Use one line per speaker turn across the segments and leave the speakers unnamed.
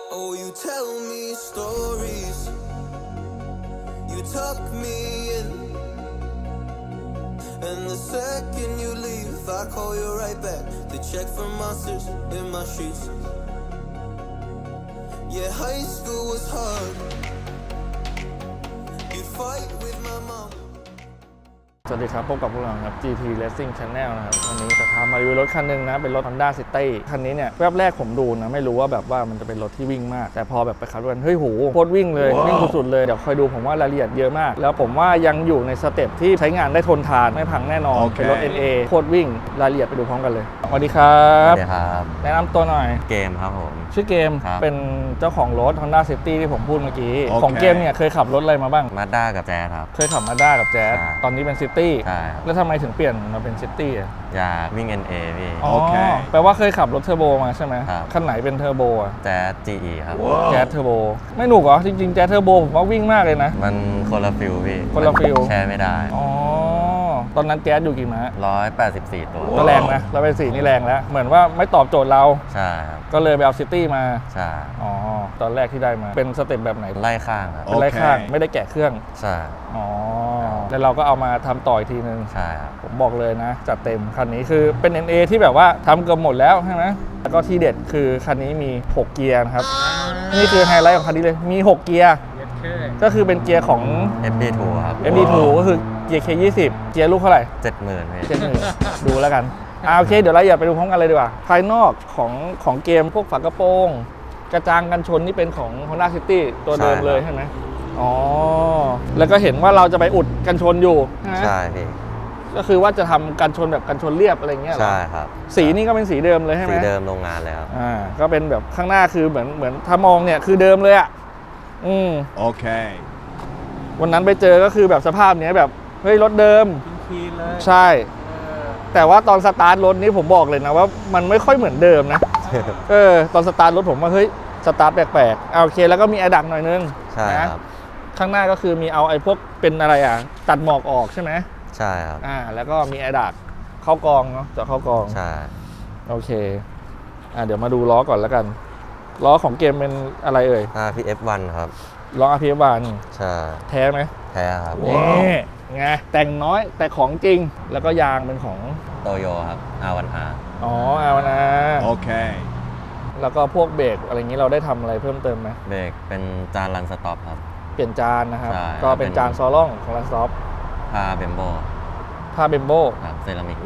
Oh, you tell me stories. You tuck me in. And the second you leave, I call you right back to check for monsters in my sheets. Yeah, high school was hard. You fight with my mom.
สวัสดีครับพบกับพวกเราครับ GT Racing Channel นะครับวันนี้จะพามารีวิวรถคันหนึ่งนะเป็นรถ Honda City คันนี้เนี่ยแวบแรกผมดูนะไม่รู้ว่าแบบว่ามันจะเป็นรถที่วิ่งมากแต่พอแบบไปขับรถเฮ้ยโหโคตรวิ่งเลยวิ่งสุดๆเลยเดี๋ยวคอยดูผมว่ารายละเอียดเยอะมากแล้วผมว่ายังอยู่ในสเต็ปที่ใช้งานได้ทนทานไม่พังแน่นอนเป็นรถ NA โคตรวิ่งรายละเอียดไปดูพร้อมกันเลยสวัสดีครับ
สวัสดีครับ
แนะนำตัวหน่อย
เกมครับผม
ชื่อเกม
ครับ
เป็นเจ้าของรถ Honda City ที่ผมพูดเมื่อกี้ของเกมเนี่ยเคยขับรถอะไรมาบ้าง
มาด้ากับแจ๊สครับ
เคยขับ Mazda กับ Jazz
ใช่
ตอนนี้เป็น City
ใช่ครับ
แล้วทำไมถึงเปลี่ยนมาเป็น City อ่ะ
อยากวิ่ง NA พี่
อ๋อแปลว่าเคยขับรถเทอร์โบมาใช่ไหม
ครับ
คันไหนเป็นเทอร์โบอ่ะ
แจ๊ส GE ครับ
แจ๊สเทอร์โบไม่หนุกเหรอจริงๆแจ๊สเทอร์โบผมว่าวิ่งมากเลยนะ
มันคนละฟิลพี่
คนละฟิล
แชร์ไม่ได้
อ๋อตอนนั้นแจ๊สอยู่กี่ม้า
184 ตัว
ก็แรงนะเราเป็น4นี่แรงแล้ว เหมือนว่าไม่ตอบโจทย์เรา
ใช่ครับ
ก็เลยไปเอา City มา
ใช่
อ๋อตอนแรกที่ได้มาเป็นสเต็ปแบบไหน
ไล่ข้างครับ
เป็นไล่ข้างไม่ได้แกะเครื่อง
ใช่
อ๋อแล้วเราก็เอามาทำต่ออีกทีนึง
ใช่ครับ
ผมบอกเลยนะจัดเต็มคันนี้คือเป็น NA ที่แบบว่าทำเกือบหมดแล้วใช่ไหมแล้วก็ที่เด็ดคือคันนี้มี 6 เกียร์นะครับนี่คือไฮไลท์ของคันนี้เลยมี 6 เกียร์ก็คือเป็นเกียร์ของ
FD2 ครับ
MD2 ก็คือเกียร์ K20 เกียร์ลูกเท่าไหร่
70,000พี่
เจ็ดหนึ่งดูแล้วกันโอเคเดี๋ยวเราอย่าไปดูพร้อมกันเลยดีกว่าภายนอกของเกมพวกฝากระโปรงกระจังกันชนนี่เป็นของ Honda City ตัวเดิมเลยใช่ไหมอ๋อแล้วก็เห็นว่าเราจะไปอุดกันชนอยู่ใช่ไหม
ใช่พี่
ก็คือว่าจะทำกันชนแบบกันชนเรียบอะไรเงี้ยเหรอ
ใช่ครับ
สีนี่ก็เป็นสีเดิมเลยใช่ไหม
สีเดิมโรงงานเลยครับ
ก็เป็นแบบข้างหน้าคือเหมือนถ้ามองเนี่ยคือเดิมเลยอ่ะ
โอเค
วันนั้นไปเจอก็คือแบบสภาพเนี้ยแบบเฮ้ยรถเดิม
คีนเลย
ใช่ แต่ว่าตอนสตาร์ทรถนี้ผมบอกเลยนะว่ามันไม่ค่อยเหมือนเดิมนะ ตอนสตาร์ทรถผมว่าเฮ้ยสตาร์ทแปลกๆโอเคแล้วก็มีแอร์ดักหน่อยนึง
ใช่
นะครับ ข้างหน้าก็คือมีเอาไอ้พวกเป็นอะไรอ่ะตัดหมอกออกใช่ไหม
ใช่ครับ
แล้วก็มีแอร์ดักเข้ากองเนาะจะเข้ากอง
ใช่
โอเคเดี๋ยวมาดูล้อก่อนแล้วกันล้อของเกมเป็นอะไรเอ่ย
RPF1 ครับ
ล้อ RPF1
ใช่
แท้ไหม
แท้ครับ
นี่ไงแต่งน้อยแต่ของจริงแล้วก็ยางเป็นของ
โตโยครับ R1R
อ๋อเอานะ
โอเค
แล้วก็พวกเบรกอะไรอย่างนี้เราได้ทำอะไรเพิ่มเติมไหม
เบรกเป็นจานรันสต็อปครับ
เปลี่ยนจานนะครับ
ใช่
ก็เป็นจานซอล่องของลันซอฟ
ผ้าเบมโบ
ผ้าเบมโบ
ครับเซรามิก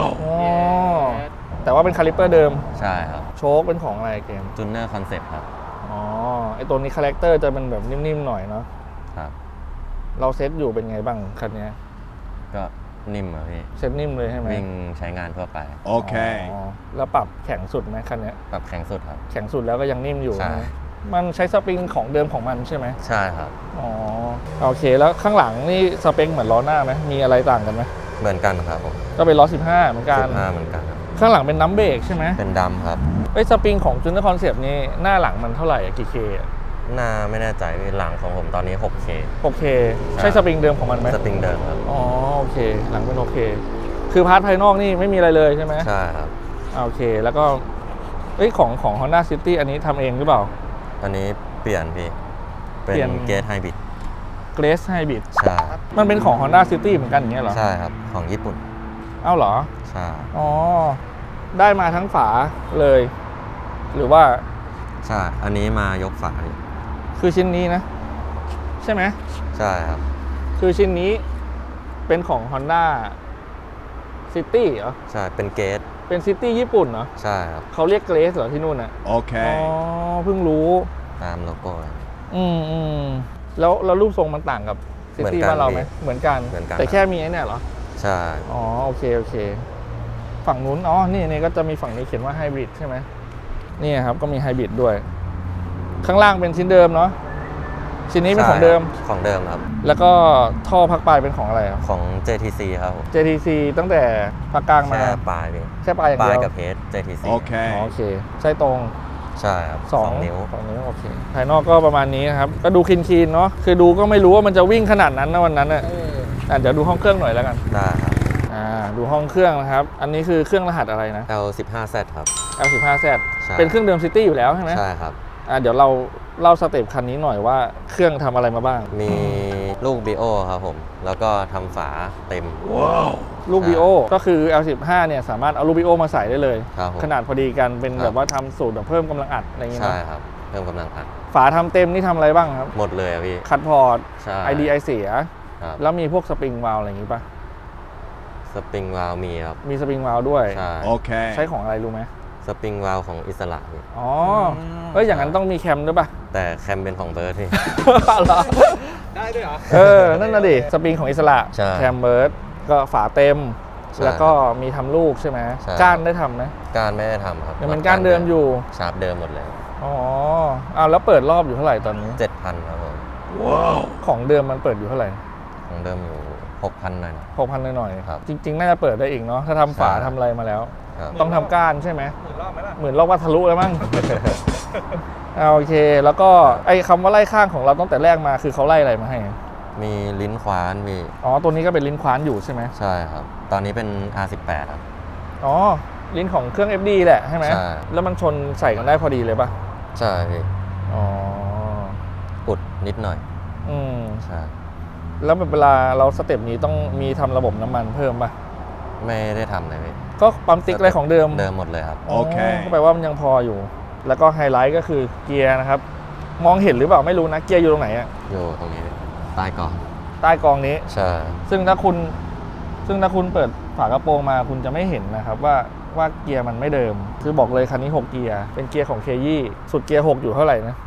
แต่ว่าเป็นคาลิปเปอร์เดิม
ใช่ครับ
โชคเป็นของอะไรเกม
จูเนอร์คอนเซ็ปต์ครับ
อ๋อไอตัวนี้คาแรคเตอร์จะเป็นแบบนิ่มๆหน่อยเนาะ
ครับ
เราเซตอยู่เป็นไงบ้างคันนี้
ก็นิ่มอะพี่
เซตนิ่มเลยใช่ไหม
วิ่งใช้งานทั่วไป
โอเค
แล้วปรับแข็งสุดไหมคันนี้
ปรับแข็งสุดครับ
แข็งสุดแล้วก็ยังนิ่มอยู่
ใช่
นะมันใช้สปริงของเดิมของมันใช่ไหม
ใช่ครับ
อ๋อโอเคแล้วข้างหลังนี่สเปคเหมือนล้อหน้าไหมมีอะไรต่างกันไหม
เหมือนกันครับผม
ก็เป็นล้อ15เหมือนกัน
15เหมือนกันครับ
ข้างหลังเป็นน้ำเบรกใช่ไหม
เป็นดำครับ
สปริงของจูเนอร์คอนเซปต์นี่หน้าหลังมันเท่าไหร่กี่เคอะ
หน้าไม่แน่ใจพี่หลังของผมตอนนี้ 6K
6K ใช่สปริงเดิมของมันไหม
สปริงเดิมครับ
อ๋อโอเคหลังเป็นโอเคคือพาร์ทภายนอกนี่ไม่มีอะไรเลยใช่ไหม
ใช่ครับ
โอเคแล้วก็ของ Honda City อันนี้ทำเองหรือเปล่า
อันนี้เปลี่ยนพี่ เป็
เปลี่ยน
นเกตไฮบริด
Grace Hybrid
ใช่
มันเป็นของ Honda City เหมือนกันอย่างเงี้ยเหรอ
ใช่ครับ ของญี่ปุ่น
เอ้าเหรอ
ใช่
อ๋อได้มาทั้งฝาเลย หรือว่า
ใช่ อันนี้มายกฝาพี่
คือชิ้นนี้นะ ใช่ไหม
ใช่ครับ
คือชิ้นนี้เป็นของ Honda City เหรอ
ใช่ เป็นเกต
เป็น City ญี่ปุ่นเหรอ
ใช่ครับ
เขาเรียก Grace เหรอที่นู่นอ่ะ
โอเค
อ๋อเพิ่งรู้
ตามโลโก้
อืมแล้วรูปทรงมันต่างกับ
เหมือน
City
กัน
บ้านเราไหม
พี่
เหมือนกัน
เหมือนกัน
แต่แค่มีไอ้เนี่ยเหรอ
ใช่
อ๋อโอเคฝั่งนู้นนี่ก็จะมีฝั่งนี้เขียนว่าไฮบริดใช่ไหมนี่ครับก็มีไฮบริดด้วย ข้างล่างเป็นชิ้นเดิมเนาะชิ้นนี้เป็นของเดิม
ของเดิมครับ
แล้วก็ท่อพักปลายเป็นของอะไรครับ
ของ JTC ครับผม
JTC ตั้งแต่พักกลางมา
แค่ปลายพี่
แค่ปลายอย่าง
ปลา
เดี
ย
ยว
กับเพจ JTC
โอเค
โอเคใช่ตรง
ใช่ครับ 2 นิ้ว
2 นิ้วโอเคภายนอกก็ประมาณนี้นะครับก็ดูคลีนๆเนาะคือดูก็ไม่รู้ว่ามันจะวิ่งขนาดนั้นนะวันนั้นเดี๋ยวดูห้องเครื่องหน่อยแล้วกัน
ได้ครับ
ดูห้องเครื่องนะครับอันนี้คือเครื่องรหัสอะไรนะ
L15Z ครับ
L15Z
ใช่
เป็นเครื่องเดิม City อยู่แล้วใช่ไหม
ใช่ครับ
เดี๋ยวเราเล่าสเต็ปคันนี้หน่อยว่าเครื่องทำอะไรมาบ้าง
มีลูก BO ครับผม แล้วก็ทำฝาเต็ม
ลูก BO ก็คือ L15 เนี่ยสามารถเอาลูก BO มาใส่ได้เลย
ครับผม
ขนาดพอดีกันเป็น
ครับ
แบบว่าทำสูตรแบบเพิ่มกำลังอัดอะไรอย่างเงี้ย
ใช่
นะครับ
เพิ่มกำลังอัด
ฝาทำเต็มนี่ทำอะไรบ้างครับ
หมดเลยอะพี่
คัดพอร์ต
ใช่
ID ไอเสีย
ครับ
แล้วมีพวกสปริงวาล์วอะไรอย่างงี้ป่ะ
สปริงวาลวมีครับ
มีสปริงวาล์วด้วย
ใช่
Okay.
ใช้ของอะไรรู้ไหม
สปริงวาลวของอิสระพี่
อ๋อเอ้ยอย่างนั้นต้องมีแคมด้วยป่ะ
แต่แคมเป็นของเบิร์ดพี่
เหรอได้ด้วยเหรอ นั่นน่ะดิ สปริงของอิสระ
ใช่
แคมเบิร์ดก็ฝาเต็ม
ใช่
แล้วก็มีทำลูกใช่ไหม
ใช่
ก้านได้ทำไหม
การไม่ได้ทำครับ
ยังเป็นก้านเดิมอยู่
ชาร์ปเดิมหมดเลย
อ๋อแล้วเปิดรอบอยู่เท่าไหร่ตอนนี้
7,000ครับผม
ของเดิมมันเปิดอยู่เท่าไหร่
ของเดิมอยู่ 6,000 หน่อยนะ
6,000หน่อย
ครับ
จริง ๆ น่าจะเปิดได้อีกเนาะถ้าทำฝา
ใช่
ทำอะไรมาแล้ว
ครับ
ต้องทำก้านใช่ไหมหมื่นรอบว่าทะลุแล้วมั้ง โอเค แล้วก็ไอ้คำว่าไล่ข้างของเราตั้งแต่แรกมาคือเขาไล่อะไรมาให้
มีลิ้นคว้านพี่
อ๋อตัวนี้ก็เป็นลิ้นคว้านอยู่ใช่ไหม
ใช่ครับ ตอนนี้เป็น R18 ครับ
อ๋อลิ้นของเครื่อง FD แหละใช่ไหม
ใช่
แล้วมันชนใส่กันได้พอดีเลยป่ะ
ใช่พี่
อ๋อ
อุดนิดหน่อย
อืม
ใช่
แล้วเวลาเราสเต็ปนี้ต้องมีทำระบบน้ำมันเพิ่มป่ะ
ไม่ได้ทำเลยพี่
ก็ปั๊มติ๊กอะไรของเดิม
เดิมหมดเลยครับ
โอเค
ก็แปลว่ามันยังพออยู่ แล้วก็ไฮไลท์ก็คือเกียร์นะครับ มองเห็นหรือเปล่าไม่รู้นะ เกียร์อยู่ตรงไหนอะ
อยู่ตรงนี้พี่ใต้กล่อง
ใต้กองนี้
ใช่
ซึ่งถ้าคุณเปิดฝากระโปรงมาคุณจะไม่เห็นนะครับว่าเกียร์มันไม่เดิม คือบอกเลยคันนี้ 6 เกียร์ เป็นเกียร์ของเคยี่สุดเกียร์ 6 อยู่เท่าไหร่นะ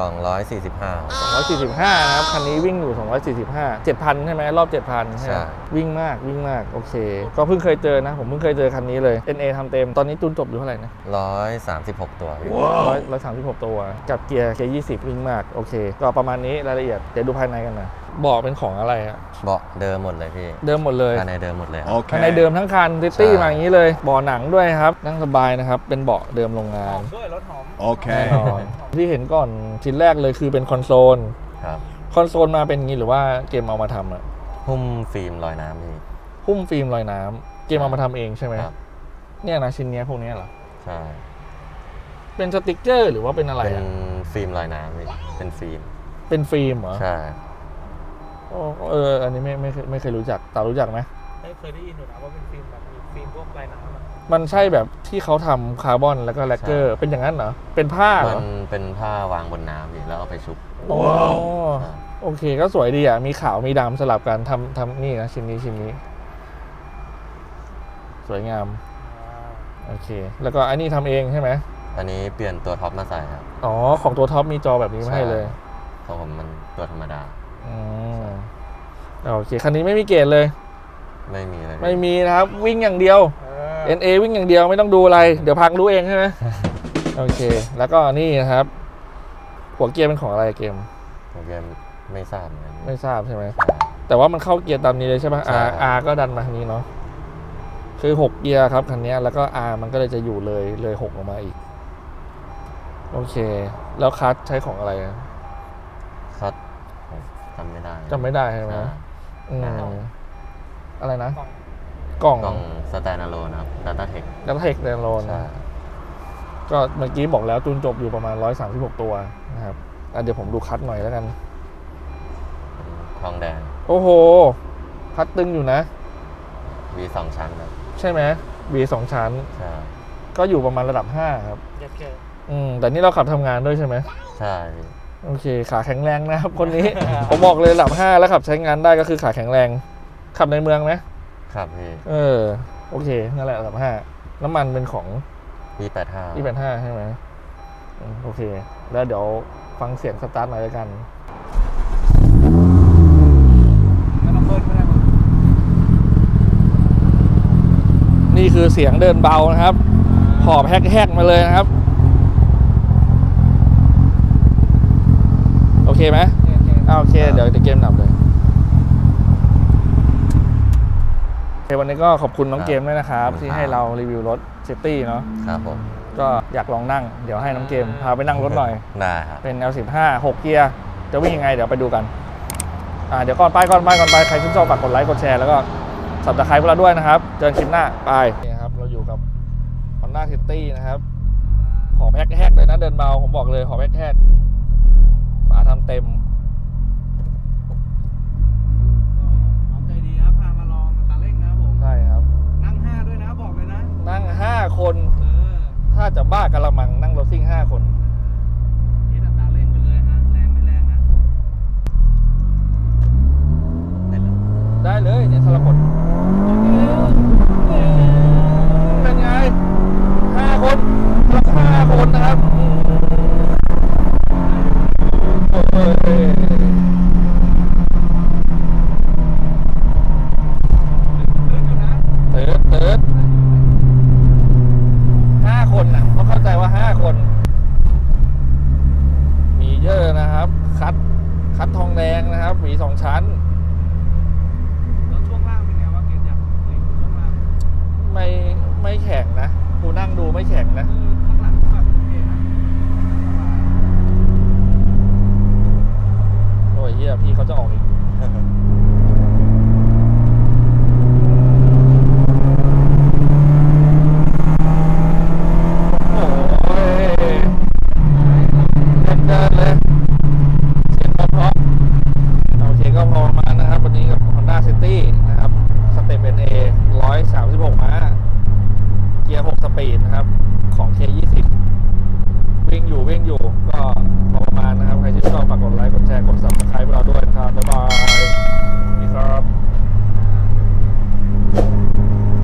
245
245นะครับ คันนี้วิ่งอยู่ 245 7,000 ใช่ไหมรอบ 7,000 ใช่ไหม
ใช่
วิ่งมากโอเค ก็เพิ่งเคยเจอนะ ผมเพิ่งเคยเจอคันนี้เลย NA ทำเต็มตอนนี้จูนจบอยู่เท่าไหร่นะ
136 ตัวพี่
136 ตัวกับเกียร์ K20 วิ่งมากโอเค ก็ประมาณนี้รายละเอียดเดี๋ยวดูภายในกันนะเบาะเป็นของอะไรอะ
เบาะเดิมหมดเลยพี่
เดิมหมดเลย
ภายในเดิมหมดเลยครับ
ภายในเดิมทั้งคันซิตี้
ใช่
มาอย่างนี้เลยเบาะหนังด้วยครับนั่งสบายนะครับเป็นเบาะเดิมโรงงาน
Okay.
แน่นอนที่เห็นก่อนชิ้นแรกเลยคือเป็นคอนโซล
ครับ
คอนโซลมาเป็นอย่างนี้หรือว่าเกมเอามาทำอะ
หุ้มฟิล์มลอยน้ำพี่
หุ้มฟิล์มลอยน้ำเกมเอามาทำเองใช่ไหม
ครับ
เนี่ยนะชิ้นเนี้ยพวกเนี้ยเหรอ
ใช่
เป็นสติกเกอร์หรือว่าเป็นอะไร
เป็น
อะ
ฟิล์มลอยน้ำพี่เป็นฟิล์ม
เป็นฟิล์มเหรอ
ใช่
อันนี้ไม่เคยรู้จักตารู้จักไหม
ไม่เคยได้ยินอยู่นะว่าเป็นฟิล์มแบบมีฟิล์มพวกลายน้ำอะ
มันใช่แบบที่เขาทำคาร์บอนแล้วก็แลกเกอร์เป็นอย่างนั้นเหรอเป็นผ้าเหร
มั
อน
เป็นผ้าวางบนน้ำพี่แล้วเอาไปชุบ
อ๋อ
ครับ
โอเคก็สวยดีอ่ะมีขาวมีดำสลับกันทำนี่นะชิ้นนี้สวยงามโอเค แล้วก็อันนี้ทำเองใช่ไหม
อันนี้เปลี่ยนตัวท็อปมาใส่ครับ
อ๋อของตัวท็อปมีจอแบบนี้มาให้เลย
ของผมมันตัวธรรมดา
อืมโอเคคันนี้ไม่มีเกรดเลย
ไม่มีอะไร
ไม่มีนะครับวิ่งอย่างเดียว NA วิ่งอย่างเดียวไม่ต้องดูอะไร เดี๋ยวพังรู้เองใช่ไหม โอเค แล้วก็นี่นะครับ หัวเกียร์เป็นของอะไรเกม
ผมยังไม่ทราบเหมือนกัน
ไม่ทราบใช่ไหม
ใช่
แต่ว่ามันเข้าเกียร์ตามนี้เลยใช่ปะ
ใช่
R ก็ดันมาทางนี้เนาะคือ6เกียร์ครับคันนี้แล้วก็ R มันก็เลยจะอยู่เลย6ออกมาอีกโอเค แล้วคัสใช้ของอะไรอะ
คัดผมจำไม่ได้
จำไม่ได้ใช่ไหม
ใช่
อืมอะไรนะ กล่อง
กล่องสแตนอะโลนครับ Data Tech
ดับเทคแดนโลน
ใช่
ก็เมื่อกี้บอกแล้วจูนจบอยู่ประมาณ136ตัวนะครับเดี๋ยวผมดูคัสหน่อยแล้วกัน
ทองแดง
โอ้โห คัดตึงอยู่นะ
V2 ชั้นครับ
ใช่ไหม V 2 ชั้น
ใช่
ก็อยู่ประมาณระดับ 5 ครับ
เย็ดเก
แต่นี่เราขับทำงานด้วยใช่ไหม
ใช่พี่
โอเค ขาแข็งแรงนะครับ คนนี้ ผมบอกเลยระดับ 5 แล้วขับใช้งานได้ก็คือขาแข็งแรง ขับในเมืองไหม
ครับพี่
โอเค นั่นแหละระดับ 5 น้ำมันเป็นของ
V85
285ใช่ไหมโอเค แล้วเดี๋ยวฟังเสียงสตาร์ทหน่อยแล้วกัน
ไม่ต้องเบิ้ลไม่ได้มึง
นี่คือเสียงเดินเบานะครับหอบแฮกๆมาเลยนะครับ โอเคไหมโอเค เดี๋ยวเกมดับเลยโอเควันนี้ก็ขอบคุณน้องเกมด้วยนะครับ ที่ให้เรารีวิวรถซิตี้เนาะ
ครับผม
ก็อยากลองนั่ง เดี๋ยวให้น้องเกมพาไปนั่งรถหน่อย
ได้ครับ
เป็น L15 6 เกียร์ จะวิ่งยังไงเดี๋ยวไปดูกัน เดี๋ยวก่อนไป ใครชื่นชอบฝากกดไลค์ กดแชร์ แล้วก็สับตะไคร้พวกเราด้วยนะครับ เจอกันคลิปหน้า ไปนี่ครับ เราอยู่กับ Honda City นะครับหอมแฮกๆเลยนะเดินเบาผมบอกเลยหอมแฮกๆฝาทำเต็ม
น้องใจดีครับพามาลองตาเร่งนะครับผม
ใช่ครับ
นั่ง5ด้วยนะบอกเลยนะ
นั่ง 5 คน
อ
ถ้าจะบ้ากะละมังนั่งรถซิ่ง 5 คน
คิดอัตราเร่งไปเลยฮะแรงไม่แรงนะ
ได้เลยเนี่ยสลับกดเป็นไง 5 คนสลับ5 คนนะครับโอ้ย เติร์ด5 คนน่ะต้องเข้าใจว่า 5 คน มีเยอะนะครับ คัดทองแดงนะครับหวี2 ชั้น
แล้วช่วงล่างเป็นไงวะเกณฑ์อยากรีวิวช่วงล่าง
ไม่แข็งนะกูนั่งดูไม่แข็งนะ
ข้างหลังแบบโอเคนะสบาย
โอ้ยเฮียพี่เขาจะออกอีก โอ้ยเดินเลยเสียงเพราะๆโอเคก็พอประมาณนะครับ วันนี้กับ Honda City นะครับ สเต็ป NA 136 ม้า เกียร์ 6 สปีดนะครับ ของ K20 วิ่งอยู่ก็พอประมาณนะครับ ใครที่ชอบฝากกดไลค์ กดแชร์ กด Subscribe เราด้วยนะครับ บ๊ายบาย สวัสดีครับ